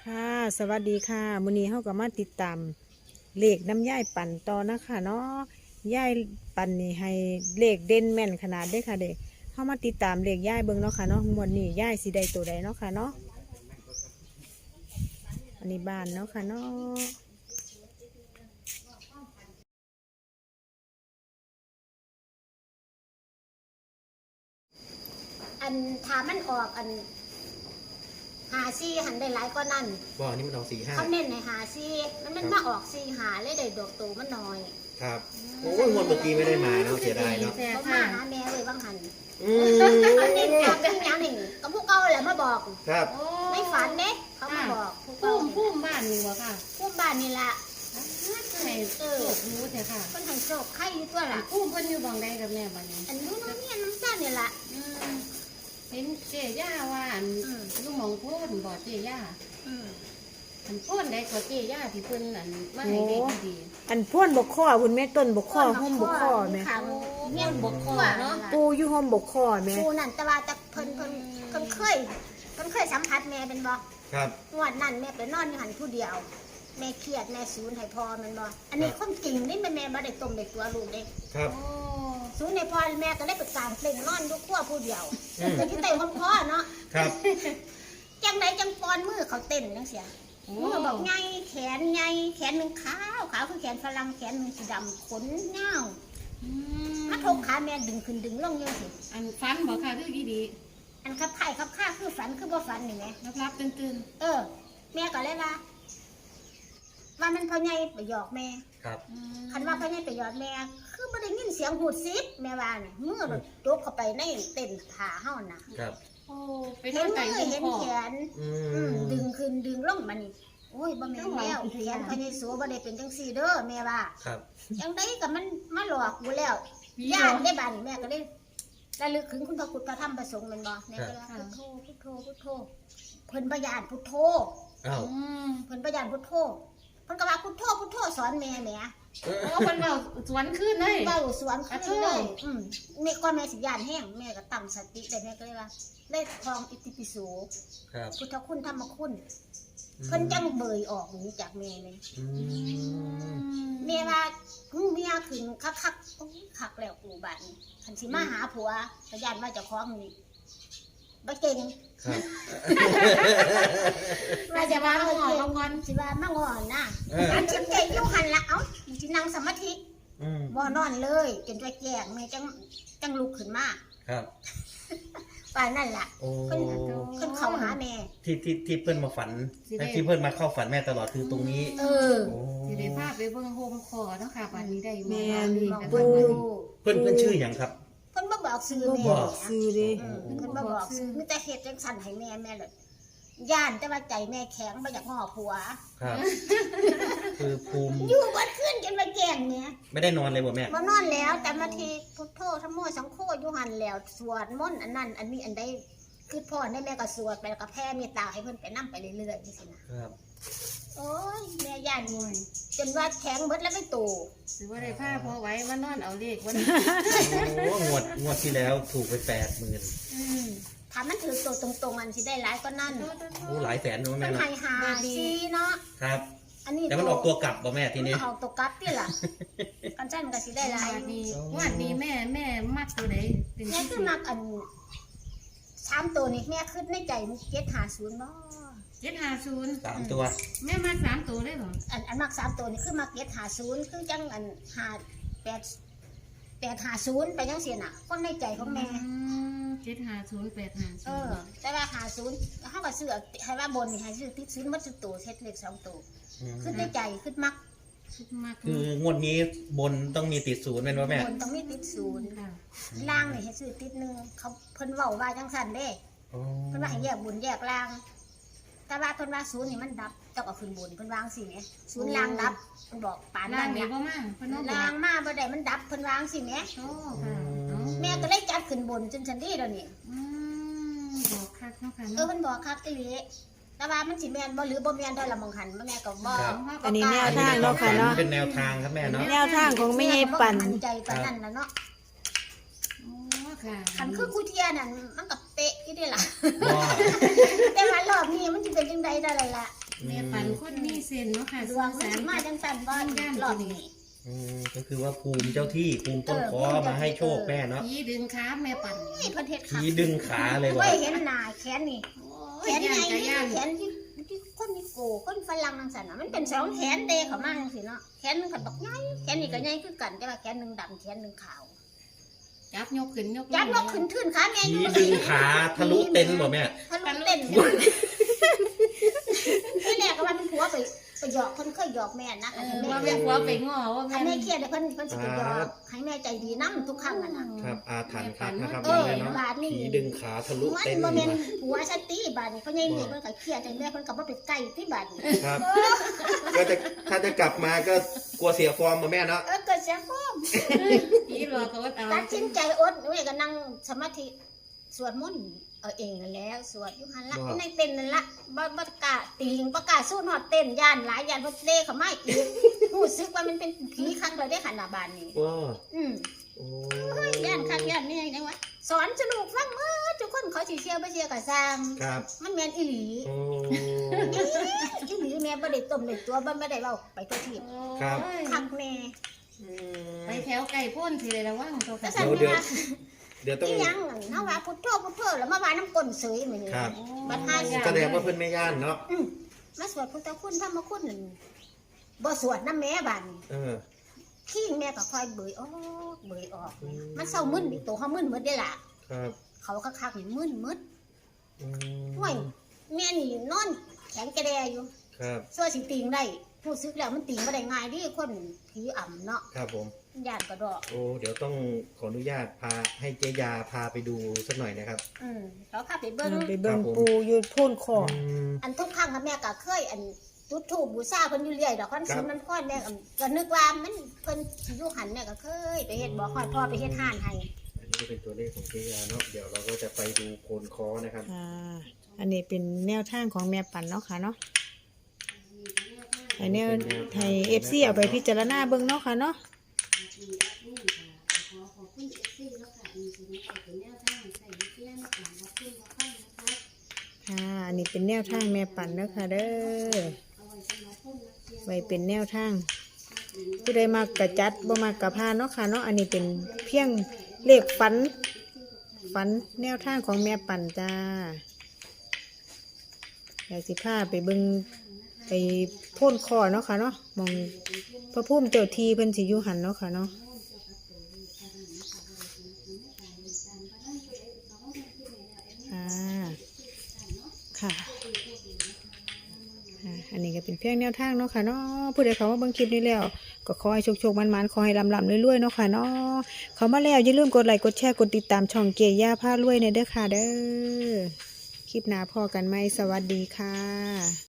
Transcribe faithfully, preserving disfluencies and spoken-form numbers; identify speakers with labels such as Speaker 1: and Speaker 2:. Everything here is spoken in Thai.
Speaker 1: ค่ะสวัสดีค่ะมื้อนี้เฮาก็มาติดตามเลขน้ำย่ายปั่นต่อนะคะเนาะย่ายปั่นนี่ให้เลขเด่นแม่นขนาดเด้อค่ะเด้เฮามาติดตามเลขย่ายเบิ่งเนาะค่ะเนาะงวดนี้ย่ายสิได้ตัวใดเนาะค่ะเนาะอันนี้บ้านเนาะค่ะเนาะ
Speaker 2: อันถามมันออกอันหาซี่หันได้หลายก็นั่น
Speaker 3: บ่อนี่มันออกสี่ห้า
Speaker 2: เขาเน้นในหาซี่มันมันมาออกซี่หาเลยได้ดอกตูมันน้อย
Speaker 3: ครับโอ้ยงวดเมื่อกี้ไม่ได้มาเนาะเสียดายเนาะ
Speaker 2: เขามาหาแม่เลยบางหัน
Speaker 3: อืม
Speaker 2: เขาเน้นจากเป็นยังนี่ก็พวกเก่าแหละมาบอก
Speaker 3: ครับ
Speaker 2: ไม่ฝันเด้เขามาบอก
Speaker 4: พุ่มพุ่มบ้านนี่วะค่ะ
Speaker 2: พุ่มบ้านนี่ละ
Speaker 4: ให้โชครู้เถอะค่ะ
Speaker 2: คนให้โชคใครอยู่ตัวละ
Speaker 4: พุ่มเพิ่นอยู่บางใดกับแม่บ้านนี้
Speaker 2: อันนู้นนี่น้ำซ่านี่ละ
Speaker 4: เห็นเจ๊ย่าว่าอันลูกหมองโพนบอกเจ๊ย่าอันโพนได้ก็เจ๊ย่าที่เพิ่นอันมาให้เด็กดี
Speaker 1: อันพ่นบกข้อคุณแม่ต้นบกข้อห้อมบกข้อแม่
Speaker 2: เงี้ยบกข้อเนาะ
Speaker 1: ปูอยู่ห้อมบกข้อแม่
Speaker 2: ปูนั่นแต่ว่าแต่เพิ่นเพิ่นเพิ่นเคยเพิ่นเคยสัมผัสแม่เป็นบ่
Speaker 3: ครับ
Speaker 2: งวดนั้นแม่ไปนอนอยู่หันผู้เดียวแม่เครียดแม่ศูนย์ให้พ่อมันบ่อันนี้ความจริงนี่แม่แม่บ่ได้ต้มได้ตัวลูกเด้
Speaker 3: ครับ
Speaker 2: ศูนย์ให้พ่อแม่ก็ได้ไปกลางเปล่งนอนอยู่ครัวผู้เดียวก็ที่เต้นของพ่อเนาะ
Speaker 3: ครับ
Speaker 2: จังไดจังปอนมือเขาเต้นจังเสียมือบอกใหญ่แขนใหญ่แขนนึงขาวขาวคือแขนฝรั่งแขนนึงสีดำขนเงามาทกขาแม่ดึงขึ้นดึงลงจังซี่
Speaker 4: อันฟันบอกค่ะคือดีดี
Speaker 2: อันขับไข่ขับข้าคือฝันคือบ่ฝันนี่แหม
Speaker 4: รับรับตื่นตื่น
Speaker 2: เออแม่ก็เลยว่าว่ามันพ่อใหญ่ไปหยอกแม่
Speaker 3: ครับ
Speaker 2: คันว่าพ่อใหญ่ไปหยอกแม่คือบ่ได้ยินเสียงหูดซิบแม่ว่าน่ะมือแบบยกเข้าไปในเต้นขาเฮาน่ะ
Speaker 3: ครับ
Speaker 4: โอ้ไป
Speaker 2: เห็น
Speaker 4: ไก่
Speaker 2: มือเห็นแขนดึงขึ้นดึงลงมานี่โอ้ยบ่แม่นแล้วแขนพ่อใหญ่สัวบ่ได้เป็นจังซี่เด้อแม่ว่า
Speaker 3: ครับ
Speaker 2: จังได๋ก็มันมาหลอกกูแล้วญาติได้บัดนี้แม่ก็เลยระลึกถึงคุณพระพุทธพระธรรมพระสงฆ์แม่นบ่แม่ก็ว่าพุทโธพุทโธพุทโธเพิ่นบ่ญาติพุทโธ
Speaker 3: อ้าว
Speaker 2: เพิ่นบ่ญาติพุทโธเพิ่นก็ว่าพุทโธพุทโธสอนแม่แหม
Speaker 4: โอ้เพิ่นเว้าสวนขึ้นเลย
Speaker 2: เว้าสวนขึ้นเลยอืมแม่ก็แม่สิญาณแห้งแม่ก็ตั้งสติได้แม่ก็เลยว่าได้ครองอิติปิโส
Speaker 3: ครับ
Speaker 2: พุทธคุณธรรมคุณเพิ่นจังเบยออกหนีจากแม่เลยแม่ว่าเมียขึ้นคักๆโอ้ยคักแล้วกูบัดนี้คันสิมาหาผัวก็ญาติว่าเจ้าของนี่บ่เก่งว่าจะว่าบ่เก่งงอนสิว่ามาง้อนะอันสิเก่งอยู่หั่นละเอ้าสินั่งสมาธิบ่นอนเลยจนจะแจ้งแม่จังจังลุกขึ้นมา
Speaker 3: ครับ
Speaker 2: ป่านนั่นล่ะเพิ่นเพิ่นเข้าหาแม่
Speaker 3: ที่ที่ที่เพิ่นมาฝันที่เพิ่นมาเข้าฝันแม่ตลอดคือตรงนี้
Speaker 2: เออ
Speaker 4: สิได้พาไปเบิ่งโฮมคอเนาะค่ะบัดนี้ได้แม่
Speaker 3: ปูเพิ่นเพิ่นชื่อหยังครับ
Speaker 2: เพิ่นบ่บอกชื่อแม่
Speaker 1: บอกชื่อดิ
Speaker 2: เพิ่นบ่บอกชื่อมีแต่เฮ็ดจังซั่นให้แม่แม่เลยย่านแต่ว่าใจแม่แข็งบ่อยากง้อผัว
Speaker 3: ครับคือภูมิ
Speaker 2: อยู่บ่คืนจนมาแจ้งแม่
Speaker 3: ไม่ได้นอนเลยบ่แม่
Speaker 2: บ่นอนแล้วแต่มาทีพุทโธธัมโมสังโฆอยู่หั่นแล้วสวดมนต์อันนั้นอันนี้อันใดคือพ่อได้แม่ก็สวดไปแล้วก็แผ่เมตตาให้เพิ่นไปนำไปเรื่อยๆจังซี่นะครับโอ้ยแม่ย่านงวยจนว่าแข็งเบิดแล้วไม่โต
Speaker 4: สิบ่ได้พาพ่อไว้มานอนเอาเลขวัน
Speaker 3: โอ้งวดงวดที่แล้วถูกไป แปดหมื่น
Speaker 2: อืมถ้ามันถือตัวตรงๆอันสิได้หลายก็นั่น
Speaker 3: โอ้หลายแสนเนาะแม่
Speaker 2: เนาะมันให้หาซีเนาะ
Speaker 3: ครับอันนี้แต่มันออกตัวกลับบ่แม่ทีนี้
Speaker 2: ออกตัวกลับติล่ะกันซั่นก็สิได้หลาย
Speaker 4: ดีว่าดีแม่แม่มักตัวใด
Speaker 2: แม่คือมักอันสามตัวนี่แม่คิดในใจมันเจ็ดห้าศูนย์บ่
Speaker 4: เจ็ดห้าศูนย์
Speaker 3: สามตัว
Speaker 4: แม่มักสามตัวได้เหรอ
Speaker 2: อันอันมักสามตัวนี่คือมักเจ็ดห้าศูนย์คือจังอันห้าแปดแปดห้าศูนย์ไปจังซี่น่ะคนในใจของแม่
Speaker 4: เจ็ดห้าศูนย์แปดห้าศูนย์เอ
Speaker 2: อแต่ว่าห้าศูนย์เฮาก็ซื้อให้ว่าบนนี่ให้ซื้อติดศูนย์หมดทุกตัวเฮ็ดเลขสองตัวคือในใจคือมัก
Speaker 3: คืองวดนี้บนต้องมีติดศูนย์แม่นบ่แม่
Speaker 2: บนต้องมีติดศูนย์ค่ะล่างนี่ให้ซื้อติดหนึ่งเขาเพิ่นเว้าว่าจังซั่นเด้เพิ่นว่าให้แยกบนแยกล่างแต่ว่าเพิ่นว่าศูนย์นี่มันดับต้องเอาขึ้นบนเพิ่นวางสิแหมศูนย์ล่างดับเพิ่นบอกปานนั้น
Speaker 4: เนี่ย
Speaker 2: ล่างมาบ่ได้มันดับเพิ่นวางสิแหมโอ้ค่ะแม่ก็เลยจัดขึ้นบนจนซั่นดีแล้วนี่
Speaker 4: อืมบอกคักเนาะค่ะ
Speaker 2: เออเพิ่นบอกคักอีหลีแต่ว่ามันสิแม่นบ่หรือบ่แม่นได้ละมองหันแม่ก็บ่
Speaker 1: อันนี้แนวทางเนาะค่ะเนาะ
Speaker 3: เป็นแนวทางครับแม่เนาะ
Speaker 1: แนวทางของแม่ปั่น
Speaker 2: ใจปานนั้นล่ะเนาะ
Speaker 4: อ๋อค่ะ
Speaker 2: คันคือกูเทียนั่นมันก็เป๊ะอยู่เด้ล่ะแต่ว่ารอบนี้มันสิเป็นจังได๋ได้ล่ะ
Speaker 4: แม่ปันคนมีเส้นเนาะค่ะ
Speaker 2: ดวงมันสิมาจังซั่นบ่รอบนี้
Speaker 3: อืมก็คือว่าภูมิเจ้าที่ภูมิต้นคอมาให้โชคแม่เนาะ
Speaker 4: ผีดึงขาแม่ปัน
Speaker 2: นี่เพิ่นเฮ็ด
Speaker 3: ผี
Speaker 2: คัก
Speaker 3: ดึงขาเลยบ่
Speaker 2: ไว้เห็นหน้าแขนนี่
Speaker 4: โอ้
Speaker 2: แข
Speaker 4: ย
Speaker 2: น
Speaker 4: ย่า
Speaker 2: ใหญ่
Speaker 4: นกะย่าน
Speaker 2: แขนที่ที่คนนี่โกคนฝรั่งจังซั่นน่ะมันเป็นสองแขนเตะเข้ามาจังซี่เนาะแขนหนึงก็บักใหญ่แขนนี่ก็ใหญ่คือกันแต่ว่าแขนหนึงดำแขนหนึงขาว
Speaker 4: จับยกขึ้นยกลง
Speaker 2: ยัดนกขึ้นทื่นขาแม่
Speaker 3: ผีดึงขาทะลุเต็นท์บ่แม่
Speaker 2: ทะลุเต้นที่แรกก็ว่าเป็นผัวไปไปหยอกคนเคยหยอกแม่นะ
Speaker 4: เออว่าแม่ผัวไปง้อว่า
Speaker 2: ให้
Speaker 4: แม่
Speaker 2: แม่เครียดเพิ่นเพิ่นสิไปหยอกให้แม่ใจดีนํทุกครั้งอ่ะนะครับ
Speaker 3: อาถรรพ์ครับนะครับ
Speaker 2: เออ
Speaker 3: แม่เนาะ
Speaker 2: บาดนี่
Speaker 3: ผีดึงขาทะลุ
Speaker 2: มัน
Speaker 3: เต็นท์
Speaker 2: บ่
Speaker 3: บ่
Speaker 2: แม่นผัวสติบาดนี่เพราะยังนี่เพิ่นก็เครียดจังแม่เพิ่นก็บ่ไปใกล้ที่บาดนี่
Speaker 3: ครับ ก็จะถ้าจะกลับมาก็กลัวเสียฟอร์มบ่แม่เนาะ
Speaker 2: เออเกิดเสียฟอม
Speaker 4: ผีหลอกก็อดเอา
Speaker 2: ตัดสินใจอดแม่ก็นั่งสมาธิสวดมนต์เอาเองนั่นแหล้วสวดอยู่หั่นละในเต้นนั่นละบ่บ่กล้าตีงบ่กล้าสู้ฮอดเต้นย่านหลายย่านบ่เด้เข้ามาอีกรู้สึกว่ามันเป็นผีคักเลยได้ขนาดบานนี้
Speaker 3: ว้า
Speaker 2: อืม
Speaker 3: โอ้
Speaker 2: ย่านคักย่านนี่จังวะสอนสนุกฟังเมื่อทุกคนเขาสิเชื่อบ่เชื่อก็สร้าง
Speaker 3: ครับ
Speaker 2: มันแม่นอีหลี
Speaker 3: โอ้
Speaker 2: อีหลีแม่บ่ได้ต้มได้ตัวบ่บ่ได้เว้าไปตัวที
Speaker 3: ครับ
Speaker 4: โอ้ย
Speaker 2: คักแม่
Speaker 3: อืม
Speaker 4: ไปแถวไก่พ่นสิเลยระวังตัว
Speaker 2: ก็
Speaker 4: ค่ะ
Speaker 2: สั่น
Speaker 3: เดี๋ยว
Speaker 2: ว่า
Speaker 3: เดี๋ยวต้อง
Speaker 2: อีหยังนั่นเฮาว่าพุทโธพุทโธแล้วมาว่าน้ำก้นเสยมื้อนี้
Speaker 3: ครับ
Speaker 2: บัดหาสิ
Speaker 3: แสดงว่าเพิ่นไม่ย่านเนาะ
Speaker 2: อืมมาสวดพุทธคุณธรรมคุณนั่นบ่สวดน้ำแม่บัดนี้
Speaker 3: เออ
Speaker 2: ขี้แม่ก็ค่อยเบยออกเบยออก
Speaker 3: อืม
Speaker 2: มันเศร้ามึนดิตัวเฮามึนหมดเด้ล่ะ
Speaker 3: ครับ
Speaker 2: เขาคักๆนี่มึนหมด
Speaker 3: อืม
Speaker 2: ห่วยแม่นี่นอนแข็งกระแดอยู่
Speaker 3: ครับ
Speaker 2: ส่วนสิติงได้รู้สึกแล้วมันติงบ่ได้ง่ายดิคนผีอ่ำเนาะ
Speaker 3: ครับผม
Speaker 2: ญาติกระดอก
Speaker 3: โอ้เดี๋ยวต้องขออนุญาตพาให้เจยาพาไปดูสักหน่อยนะครับ
Speaker 2: อืมเขาพาไปเบิ่ง
Speaker 1: ไปเบิ่ง
Speaker 3: ครับผม
Speaker 1: ปูอยู่โพ่นคอ
Speaker 3: อืม
Speaker 2: อันทุกครั้งอะแม่ก็เคยอันจุดธูปบูชาเพิ่นอยู่เรื่อยดอกคอน
Speaker 3: ครั
Speaker 2: สิ
Speaker 3: บ
Speaker 2: มันค่อนแม่ก็ก็นึกว่ามันเพิ่นสิอยู่หันแม่ก็เคยไปเฮ็ดบ่ค่อยพ่อไปเฮ็ดห้านให้
Speaker 3: อันนี้ก็เป็นตัวเลขของเจยาเนาะเดี๋ยวเราก็จะไปดูโคนคอนะครับ
Speaker 1: อ่าอันนี้เป็นแนวทางของแม่ปันเนาะค่ะเนาะไอแนวไทยเอฟซีเอาไปพิจารณาเบิ่งเนาะค่ะเนาะ
Speaker 4: ขอขอบคุณเอฟซีแล้วค่ะมีสิ่งที่เป็นแนวทางใส่วิทยาในการรับชมรับฟังนะคะ
Speaker 1: ค่ะ อันนี้เป็นแนวทางแม่ปันเนาะค่ะเด้อ
Speaker 4: เอาไว้สำหรับคนนักเรียน
Speaker 1: ไว้เป็นแนวทางผู้ใดมากกระจัดบ่มากกระพานเนาะค่ะเนาะอันนี้เป็นเพียงเลขฝันฝันแนวทางของแม่ปันจ้าอยากสิพาไปเบิ่งไปโพ่นคอเนาะค่ะเนาะมองพระพุ่มเจ้าทีเพิ่นสิอยู่หันเนาะค่ะเนาะอ่าค่ะอ่าอันนี้ก็เป็นเพียงแนวทางเนาะค่ะเนาะผู้ใดเขามาเบิ่งคลิปนี้แล้วก็ขอให้โชคๆมันๆขอให้ลำๆรวยๆเนาะค่ะเนาะเขามาแล้วอย่าลืมกดไลค์กดแชร์กดติดตามช่องเกียร์ย่าพารวยในเด้อค่ะเด้อคลิปหน้าพอกันไหมสวัสดีค่ะ